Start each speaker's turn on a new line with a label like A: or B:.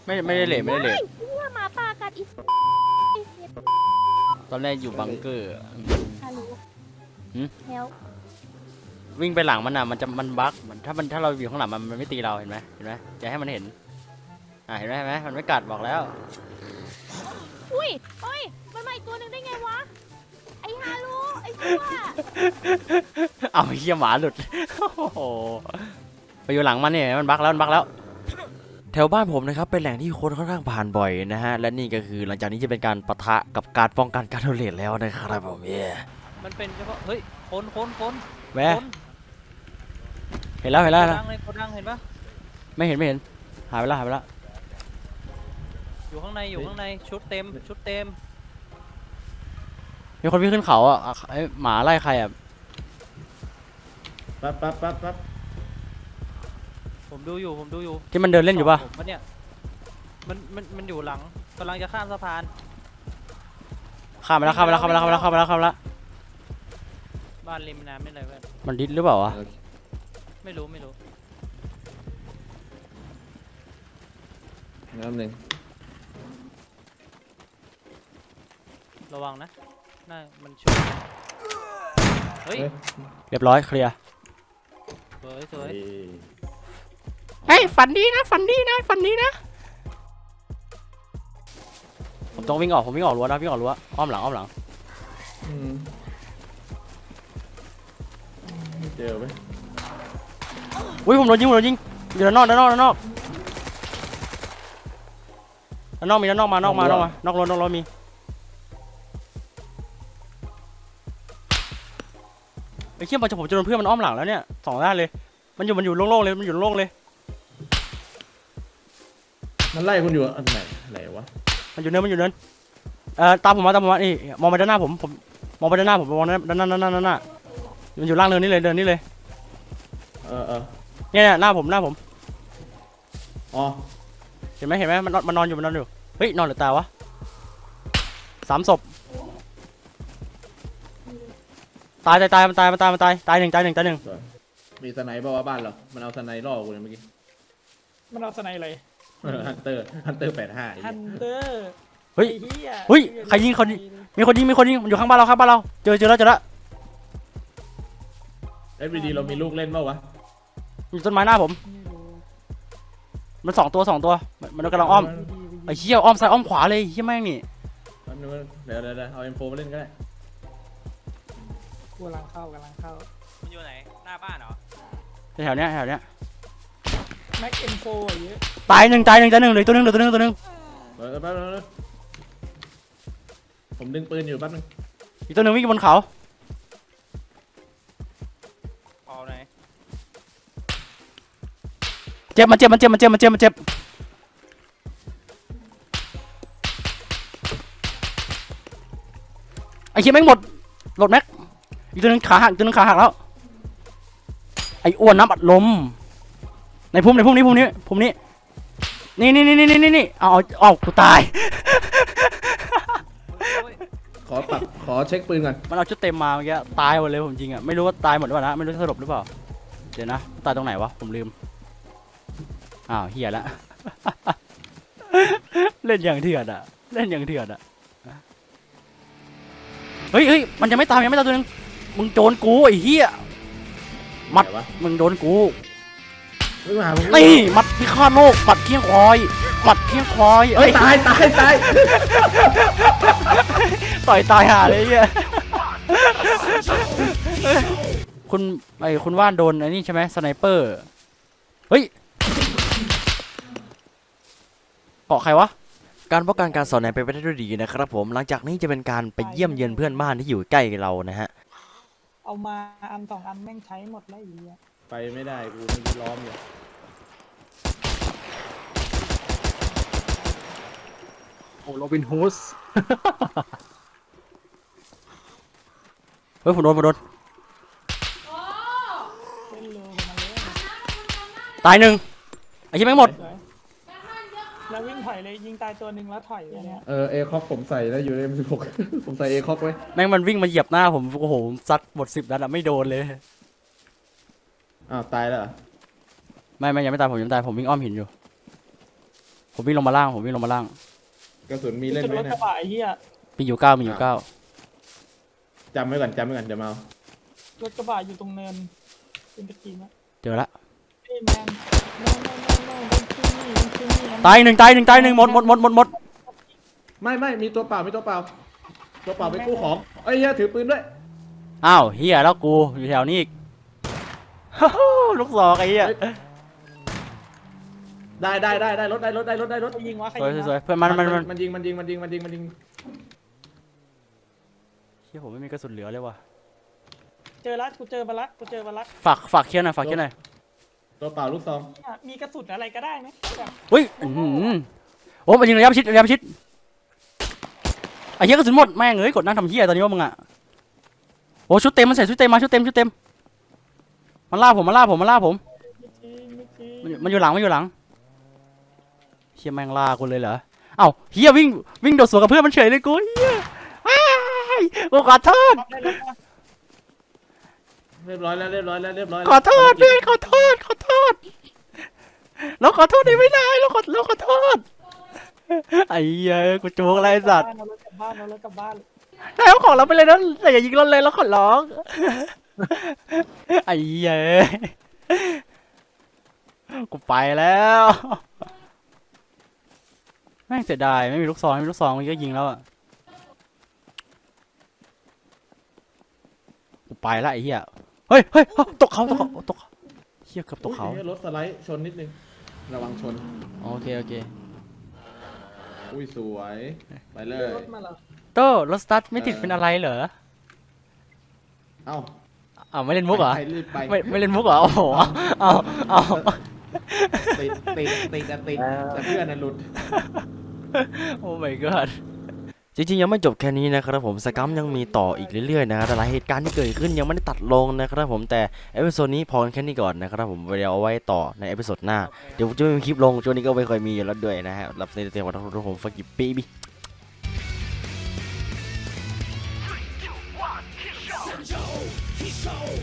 A: ไม่ได้เลทไม่ได้เลท
B: เนี่ยหมาป่ากัดอี
A: ตอนแรกอยู่บังเกอร์
B: ฮัลโหล
A: หืม
B: เฮล
A: วิ่งไปหลังมันอ่ะมันบั๊กถ้าเราอยู่ข้างหลังมันไม่ตีเราเห็นไหมจะให้มันเห็นเห็นไหมมันไม่กัดบอกแล้ว
B: อุ้ยเฮ้ยมันมาอีกตัวหนึ่งได้ไงวะไอ้ฮารุไอ้ชั่ว
A: เอาเหี้ยหมาหลุด โอ้โหไปอยู่หลังมันเนี่ยมันบั๊กแล้วแถวบ้านผมนะครับเป็นแหล่งที่คนค่อนข้างผ่านบ่อยนะฮะและนี่ก็คือหลังจากนี้จะเป็นการปะทะกับการป้องกันการโดนเลทแล้วนะครับผม
C: มันเป็นเฉพาะเฮ้ยคน
A: แหวเห็นแล้ว
C: โกดังเลยโกดังเห็นปะ
A: ไม่เห็นหายไปแล้ว
C: อยู่ข้างในชุดเต็ม
A: มีคนวิ่งขึ้นเขาอ่ะไอหมาไล่ใครอ่ะ
D: ปั๊บ
C: ผมดูอยู่
A: ที่มันเดินเล่นอยู่ป่ะ
C: ผมเนี่ยมันอยู่หลังกำลังจะข้ามสะพาน
A: ข้ามไปแล้ว
C: บ้านริมน้ำนี่เลยเพื่อน
A: มันดิสหรือเปล่าวะ
C: ไม่รู้
D: น้ำหนึ่ง
C: ระวังนะน่ามันช่วยเฮ้ย
A: เรียบร้อยเคลียร์
C: สวย
A: เฮ้ยฝันดีนะผมต้องวิ่งออกรั้วนะอ้อมหลัง
D: ไม่เจอไหม
A: อุ้ยผมโดนยิงอยู่ด้านนอกมีด้านนอกมานอกรถมีไอ้เขี้ยมันจะผมจะโดนเพื่อนมันอ้อมหลังแล้วเนี่ยสองด้านเลยมันอยู่โล่งๆเลย
D: มันไล่คุณอยู่อันไหนวะ
A: มันอยู่เนินตามผมมานี่มองไปด้านหน้าผมมองไปด้านหน้าผมมองด้านหน้ามันอยู่ล่างเนินนี่เลยเนี่ยหน้าผม
D: อ๋อ
A: เห็นไหมมันนอนอยู่เฮ้ยนอนหรือตายวะ3 ศพตายมันตายหนึ่ง
D: มีสไนเปอร์ว่าบ้านเรามันเอาสไนล่อกูเลยเมื่อกี้
E: มันเอาสไนอะไร
D: ฮันเตอร์85
E: ฮันเตอร์
A: เฮ้ยใครยิงมีคนยิงมันอยู่ข้างบ้านเราเจอแล้ว
D: FVD เรามีลูกเล่นเปล่าวะ
A: อยู่ต้นไม้หน้าผมมัน2 ตัวมันกำลังอ้อมไอ้เหี้ยอ้อมซ้ายอ้อมขวาเลยเหี้ยแม่งนี่
D: เดี๋ยวเอา M4 มาเล่นก็ได้
E: กำลังเข้า
C: มันอยู่ไหนหน้าบ้านเหรอ
A: แถวเนี้ย
E: แม็กเอ็นโฟเยอะ
A: ตายหนึ่งเลยตัวหนึ่ง
D: แป๊บนึงผมดึงปืนอยู่แป๊บนึง
A: อีกตัวหนึ่งวิ่งบนเขา
C: เอาไหน
A: เจ็บมันเจ็บไอ้เหี้ยแม่งหมดแม็กอีกตัวหนึ่งขาหักแล้วไอ้อ้วนน้ำอัดลมในพุ่มนี้นี่เอากูตาย
D: ขอเช็คปืนก่อน
A: มันเอาชุดเต็มมาเมื่อกี้ตายหมดเลยผมจริงอ่ะไม่รู้ว่าตายหมดหรือเปล่านะไม่รู้สรุปหรือเปล่าเดี๋ยวนะตายตรงไหนวะผมลืมเหี้ยละ เล่นอย่างเถื่อนอ่ะเฮ้ยมันยังไม่ตายตัวนึงมึงโดนกูไอ้เหี้ยมัดมึงโดนกูนี่มัดพิฆาตโลกมัดเคียงควาย
D: เฮ้ยตาย
A: ต่อยตายห่าเลยเหี้ยคุณว่านโดนไอ้นี่ใช่ไหมสไนเปอร์เฮ้ยเกาะใครวะการป้องกันการสอนแนมไปได้ด้วยดีนะครับผมหลังจากนี้จะเป็นการไปเยี่ยมเยือนเพื่อนบ้านที่อยู่ใกล้เรานะฮะ
E: เอามาอัน2 อันแม่งใช้หมดแล้วอีก
D: ไปไม่ได้กูไม่ล้อมอยู่
A: โอ้โรบินฮูด เฮ้ยผมโดน
E: เล่นเร็วกว่ามันเลย
A: ตายหนึ่งไอ้ที่แม่งหมด
E: แล้ววิ่งถอยเลยยิงตายตัวหนึ่งแล้วถอยไปเนี่ย
D: เอคอกผมใส่แล้วอยู่ใน M16 ผมใส่เอคอกไว้
A: แม่งมันวิ่งมาเหยียบหน้าผมโอ้โหซัดหมด10 นัดอะไม่โดนเลย
D: อ้าวตายแล้วเหรอ
A: ไม่ยังไม่ตายผมวิ่งอ้อมหินอยู่ผมวิ่งลงมาล่างผมวิ่งลงมาล่าง
D: กระสุนมีเล่น
E: จุด
D: ไหม
E: รถ
D: เนะ
E: กระบะไอ้เหี้ย
A: มีอยู่เก้ามีอยู่เก้า
D: จำไว้ก่อนเดี๋ยวมาเอา
E: รถกระบะอยู่ตรงเนินเป็นตะกี้นะ
A: เจอละ
E: เฮ้ยแมนโน่don't kill me don't kill me
A: ตายหนึ่งหมด
D: ไม่มีตัวเปล่าตัวเปล่าไปกู้ของเอ้ยเหี้ยถือปืนด้วย
A: อ้าวเฮียแล้วกูอยู่แถวนี้อีก ลูกศอกไอ้เหี้ย
D: ได้รถ
E: ใครยิงวะใคร
A: สวย
E: ยิง
A: สว
E: วะ
A: ยเพื่อนมัน
D: มันยิง
A: เฮียผมไม่มีกระสุนเหลือเลยว่ะ
E: เจอละกูเจอมาละ
A: ฝากเคลียร์หน่อย
D: ตัวเปล่าลูกซอง
E: เนี่ยมีกระสุนอะไรก็ได้ไหมแบบ
A: อุ้ยโอ้มันยิงระยะประชิดไอ้เหี้ยกระสุนหมดแม่งเอ้ยกดนั่งทำเหี้ยตอนนี้ว่ามึงอะโอ้ชุดเต็มมันใส่ชุดเต็มมาชุดเต็มมันล่าผม
E: ไม่จริง
A: มันอยู่หลังเฮียแม่งล่ากูเลยเหรอเอ้าเฮียวิ่งโดดสวนกับเพื่อนมันเฉยเลยกูเฮียอ้ายกูขอโทษ
E: ได้แล้วปะ
D: เรียบร้อยแล้ว
A: ขอโทษเพื่อนขอโทษเราขอโทษได้ไม่ได้เราขอโทษไอ้เหี้ยกูจูงอะไรไอ้สัตว์
E: เอารถกลับบ้านเอารถกลับบ้าน
A: ได้เอาของเราไปเลยนะแต่อย่ายิงเราเลยเราขอร้องไอ้เหี้ยกูไปแล้วแม่งเสียดายไม่มีลูกซองมันก็ยิงแล้วอะกูไปละไอ้เหี้ยเฮ้ยตกเขาเหี้ยเกือบตกเขา
D: อุ๊ยรถสไลด์ชนนิดนึงระวังชน
A: โอเค
D: อุ้ยสวยไปเลย
E: รถมาเหรอ
A: โต้รถสตาร์ทไม่ติดเป็นอะไรเหรอ
D: เอ้า
A: อ้าวไม่เล่นมุกเหรอ
D: ไปรีบไป
A: ไม่เล่นมุกเหรอโอ้โหเอา
D: ติดแต่เพื่อนน่ะหลุด
A: โอ้ my god จริงๆยังไม่จบแค่นี้นะครับผมสกัมยังมีต่ออีกเรื่อยๆนะครับแต่หลายเหตุการณ์ที่เกิดขึ้นยังไม่ได้ตัดลงนะครับผมแต่เอพิโซดนี้พอแค่นี้ก่อนนะครับผมเดี๋ยวเอาไว้ต่อในเอพิโซดหน้าเดี๋ยวผมจะไม่มีคลิปลงช่วงนี้ก็ไม่ค่อยมีอยู่แล้วด้วยนะฮะรับในเต็มๆของทุกคนฟักกี้ปีบี้